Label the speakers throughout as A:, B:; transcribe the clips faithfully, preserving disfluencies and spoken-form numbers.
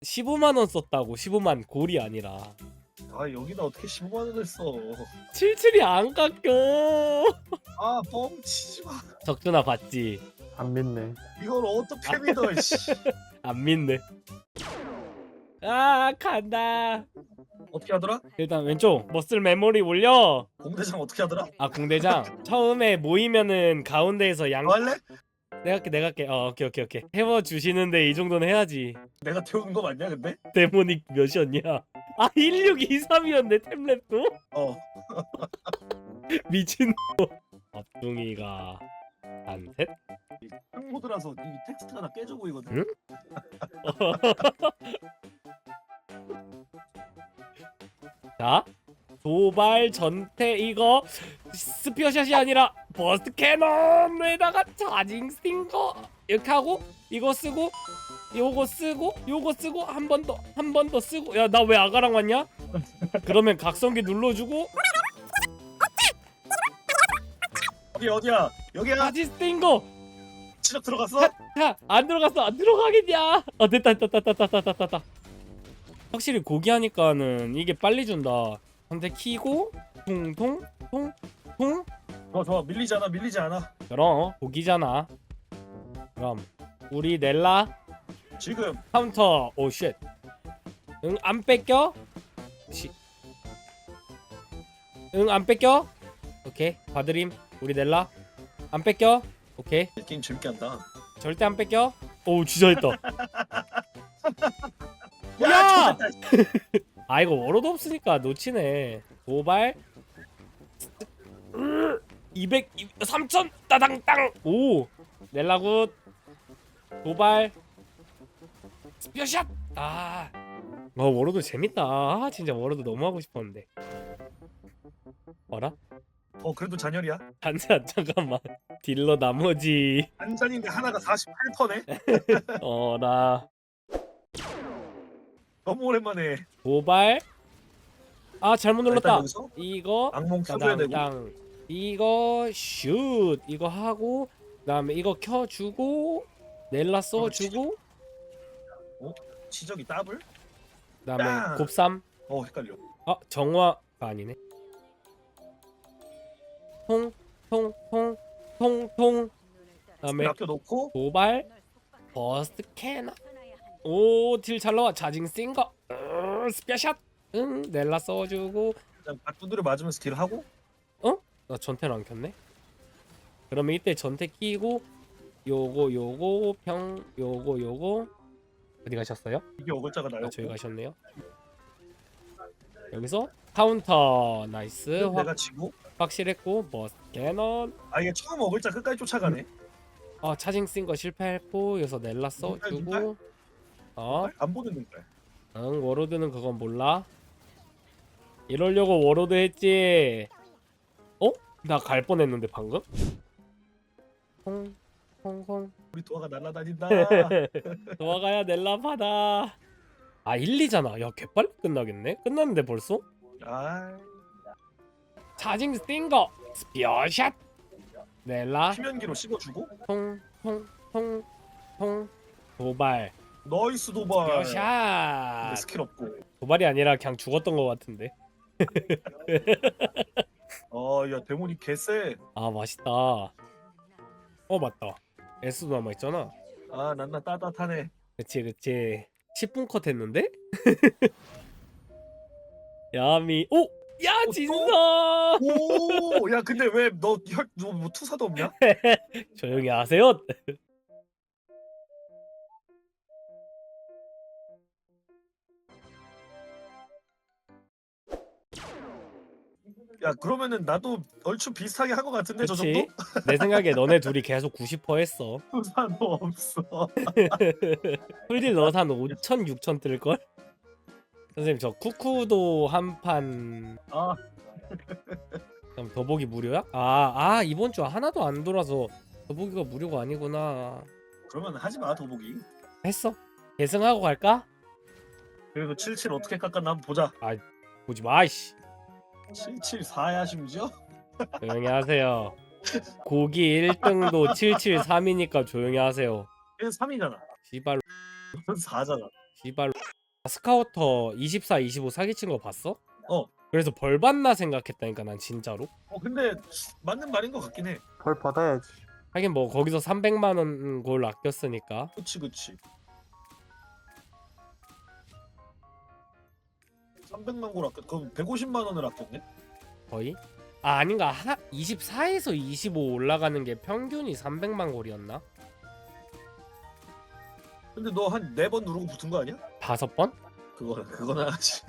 A: 십오만 원 썼다고. 십오만 골이 아니라.
B: 아 여기다 어떻게 십오만 원을 써?
A: 칠십칠이 안 깎여.
B: 아 뻥치지 마.
A: 적준아 봤지?
C: 안 믿네.
B: 이걸 어떻게 믿어? 씨.
A: 안 믿네. 아 간다.
B: 어떻게 하더라?
A: 일단 왼쪽 머슬 메모리 올려.
B: 공대장 어떻게 하더라?
A: 아 공대장 처음에 모이면은 가운데에서 양.
B: 너 할래?
A: 내가 할게 내가 할게. 어 오케이 오케이 오케이. 태워 주시는데 이 정도는 해야지.
B: 내가 태우는 거 맞냐 근데?
A: 데모닉 몇이었냐? 아 일육이삼이었네 템랩도?
B: 어.
A: 미친. 앞둥이가 한 셋.
B: 흑모드라서 이 텍스트가 다 깨져 보이거든.
A: 응? 자 도발 전태 이거 스피어샷이 아니라 버스트 캐논에다가 차징 스팅거 이렇게 하고 이거 쓰고 요거 쓰고 요거 쓰고 한 번 더 한 번 더 쓰고. 야 나 왜 아가랑 왔냐? 그러면 각성기 눌러주고
B: 어디 어디야? 여기야.
A: 차징 스팅거.
B: 시작 들어갔어?
A: 야, 안 들어갔어. 안 들어가겠냐? 어, 됐다, 됐다, 됐다, 됐다, 됐다, 됐다. 확실히 고기 하니까는 이게 빨리 준다. 근데 키고 통통 통 통.
B: 어 좋아 밀리지 않아 밀리지 않아.
A: 그럼 고기잖아. 그럼 우리 넬라
B: 지금
A: 카운터. 오 쉣. 응, 안 뺏겨? 시. 응, 안 뺏겨? 오케이. 봐드림. 우리 넬라 안 뺏겨? 오케이.
B: 이 게임 재밌게 한다.
A: 절대 안 뺏겨. 오, 진짜 했다.
B: 야!
A: 야!
B: 좋겠다.
A: 아 이거 워로도 없으니까 놓치네. 도발 이백 삼천 따당땅. 오 넬라굿. 도발 스피어샷. 아 어, 워로도 재밌다. 아, 진짜 워로도 너무 하고 싶었는데. 어라?
B: 어 그래도 잔열이야.
A: 잠깐 잠깐만. 딜러 나머지.
B: 한 잔인데 하나가 사십팔 퍼네.
A: 어라.
B: 너무 오랜만에.
A: 도발. 아 잘못
B: 일단
A: 눌렀다.
B: 여기서
A: 이거
B: 악몽 켜줘야 되고.
A: 땅. 이거 슛 이거 하고 그다음에 이거 켜주고 넬라 써주고
B: 치적이 더블?
A: 그다음에
B: 땅.
A: 곱삼.
B: 어 헷갈려.
A: 아 정화가 아니네. 통 통 통 통 통. 그다음에
B: 아껴 놓고
A: 도발 버스트 캐나. 오딜 잘 나와. 자징 싱거 스페샷. 응 넬라 써주고.
B: 그냥 바꾸드려 맞으면서 딜 하고.
A: 나 전태를 안 켰네. 그러면 이때 전태 끼고 요거 요거 평 요거 요거 어디 가셨어요?
B: 이게 어글자가 나요.
A: 아, 저기 가셨네요. 여기서 카운터 나이스. 확,
B: 내가 지고.
A: 확실했고 버스 캐논.
B: 아 이게 처음 어글자 끝까지 쫓아가네.
A: 아 차징 쓴 거 실패했고 여기서 넬라 써주고. 어?
B: 안 보는 눈깔.
A: 응 워로드는 그건 몰라. 이러려고 워로드 했지. 어? 나 갈 뻔했는데 방금? 홍홍홍.
B: 우리 도화가 날아다닌다.
A: 도와가야 넬라 받아. 아 일, 이잖아. 야 개빨리 끝나겠네. 끝났는데 벌써?
B: 아
A: 차징 스팅거 스피어샷. 넬라
B: 피면기로 씹어주고.
A: 통통통통 도발
B: 너이스 도발.
A: 스피어샷.
B: 근데 스킬 없고.
A: 도발이 아니라 그냥 죽었던 것 같은데.
B: 어야 데모니 개쎄.
A: 아 맛있다. 어 맞다. S도 남아있잖아.
B: 아 난나 따뜻하네.
A: 그치 그치. 십 분 컷 했는데? 야미. 오! 야
B: 또?
A: 진서!
B: 오, 야 근데 왜 너 혈 너 뭐 투사도 없냐?
A: 조용히 하세요.
B: 야 그러면은 나도 얼추 비슷하게 한 것 같은데 저
A: 그치?
B: 정도?
A: 내 생각에 너네 둘이 계속 구십 퍼센트 했어.
B: 투사도 없어.
A: 풀딜 넣어서 한 오천, 육천 뜰걸? 선생님 저 쿠쿠도 한판.
B: 아
A: 그럼 더보기 무료야? 아, 아 이번 주 하나도 안 돌아서 더보기가 무료가 아니구나.
B: 그러면 하지 마 더보기.
A: 했어? 계승하고 갈까?
B: 그래도 칠십칠 어떻게 깎았나 한번 보자.
A: 보지 마 이씨.
B: 칠십사야 심지어?
A: 조용히 하세요. 고기 일 등도 칠칠삼이니까 조용히 하세요.
B: 얘는 삼이잖아.
A: 씨발
B: 넌 사잖아.
A: 씨발 스카우터 이십사, 이십오 사기친 거 봤어?
B: 어.
A: 그래서 벌 받나 생각했다니까 난 진짜로.
B: 어 근데 맞는 말인 것 같긴 해.
C: 벌 받아야지.
A: 하긴 뭐 거기서 삼백만 원 골 아꼈으니까.
B: 그치 그치. 삼백만 골 아꼈. 그럼 백오십만 원을 아꼈네.
A: 거의? 아 아닌가 하, 이십사에서 이십오 올라가는 게 평균이 삼백만 골이었나?
B: 근데 너 한 네 번 누르고 붙은 거 아니야?
A: 다섯 번?
B: 그거는 그거는 하지.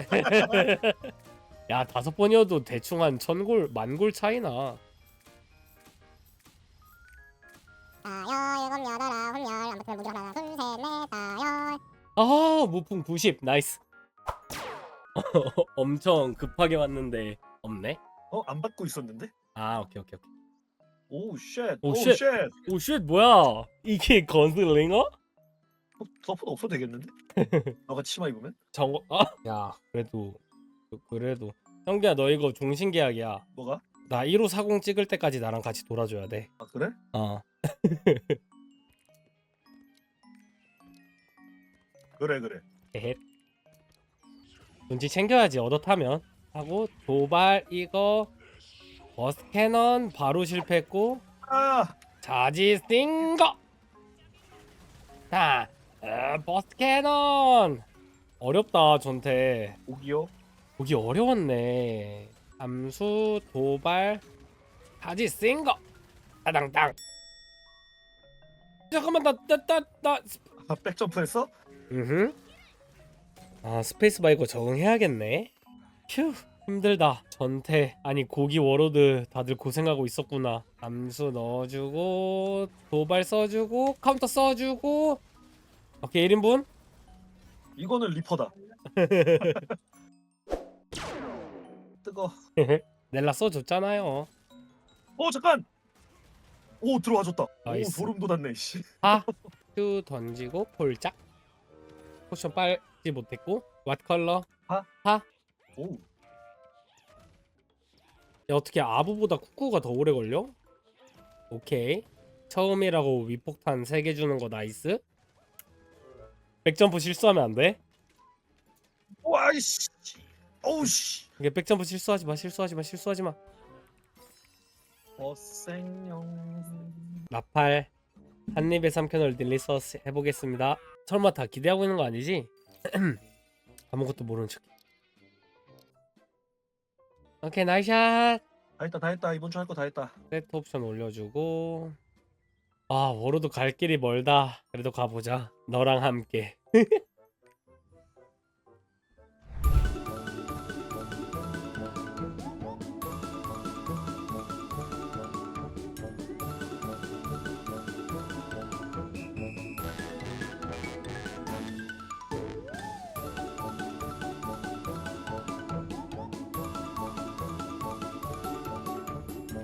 A: 야 다섯 번이어도 대충 한 천 골, 만 골 차이나.
D: 다여 일곱 여덟 아홉 열 아무튼 무기 하나 둘셋넷 다여
A: 아 무풍 구십 나이스. 엄청 급하게 왔는데 없네.
B: 어 안 받고 있었는데?
A: 아 오케이 오케이 오케이.
B: 오우 쉣.
A: 오,
B: 오우
A: 쉣.
B: 쉣.
A: 오쉣 뭐야 이게 건슬링어?
B: 어, 서포트 없어도 되겠는데? 너가 치마 입으면?
A: 저거 아? 야 그래도 그- 그래도 형기야 너 이거 종신계약이야.
B: 뭐가?
A: 나 일오사공 찍을 때까지 나랑 같이 돌아줘야 돼.
B: 아 그래?
A: 어.
B: 그래 그래.
A: 에헷. 눈치 챙겨야지 얻어타면. 하고 도발 이거 버스 캐넌 바로 실패했고
B: 아
A: 자지 스팅거. 자 어, 버스 캐넌 어렵다 전태.
B: 오기요.
A: 보기 어려웠네. 함수 도발 자지 스팅거 따당땅. 잠깐만 나나나나
B: 아 백점프했어?
A: 음. 아 스페이스바 이거 적응해야겠네. 휴 힘들다. 전태 아니 고기 워로드 다들 고생하고 있었구나. 암수 넣어주고 도발 써주고 카운터 써주고. 오케이 일 인분.
B: 이거는 리퍼다. 뜨거.
A: 넬라 써줬잖아요.
B: 어 잠깐. 오 들어와줬다.
A: 나이스.
B: 오 소름 돋았네. 씨.
A: 하. 큐 던지고 폴짝. 포션 빨지 못했고 왓 컬러.
B: 하?
A: 하.
B: 오.
A: 야, 어떻게 아부보다 쿠쿠가 더 오래 걸려? 오케이. 처음이라고 위폭탄 세 개 주는 거 나이스. 백점프 실수하면 안 돼.
B: 와이씨. 오우 씨.
A: 이게 백점프 실수하지 마. 실수하지 마. 실수하지 마.
B: 어생용.
A: 나팔 한 입에 삼켜놓을 딜리서스 해보겠습니다. 설마 다 기대하고 있는 거 아니지? 아무것도 모르는 척. 오케이 나이샷.
B: 다 했다 다 했다. 이번 주 할 거 다 했다.
A: 세트 옵션 올려주고. 아 워로드 갈 길이 멀다. 그래도 가보자. 너랑 함께.